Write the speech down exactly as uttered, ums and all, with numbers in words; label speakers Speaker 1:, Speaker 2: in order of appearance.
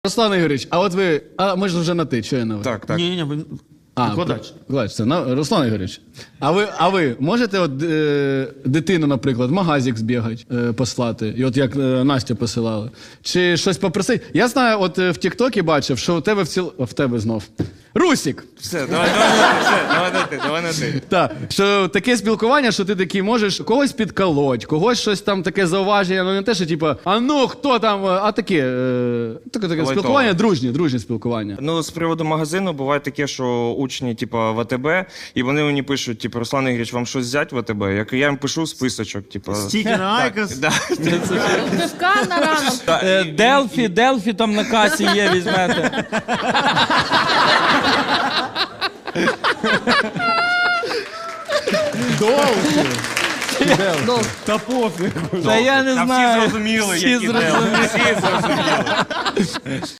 Speaker 1: Руслан Ігорович, а от ви, а ми ж вже на ти, що я на ви?
Speaker 2: Так, так.
Speaker 3: Ні, ні, ви...
Speaker 1: А,
Speaker 3: викладач.
Speaker 1: Викладач, це на, Руслан Ігорович. А ви, а ви можете от, е, дитину, наприклад, в магазик збігати, е, послати, і от як е, Настя посилала? Чи щось попросити? Я знаю, от е, в Тік-Токі бачив, що у тебе в ціл... О, в тебе знов. Русік!
Speaker 2: Все, давай, давай, на ти, все, давай на ти, давай на ти.
Speaker 1: Так, що таке спілкування, що ти такий можеш когось підколоть, когось щось там таке зауваження, ну не те, що типу, а ну хто там, а таке, е, таке, таке
Speaker 2: Лайтове.
Speaker 1: спілкування, дружнє, дружнє спілкування.
Speaker 2: Ну, з приводу магазину, буває таке, що учні, типу, в АТБ, і вони мені пишуть, типу, Руслан Ігорович, вам щось взяти в АТБ? Як я їм пишу списочок, типу.
Speaker 3: Стільки на Айкос.
Speaker 2: Да.
Speaker 4: Пивка на ранок.
Speaker 5: Е, Делфі, Делфі там на касі є, візьмете.
Speaker 3: Та пофіг.
Speaker 5: Та я не
Speaker 2: Та всі
Speaker 5: знаю.
Speaker 2: зрозуміли,
Speaker 5: Всі
Speaker 2: які
Speaker 5: зрозуміли.
Speaker 2: Всі зрозуміли.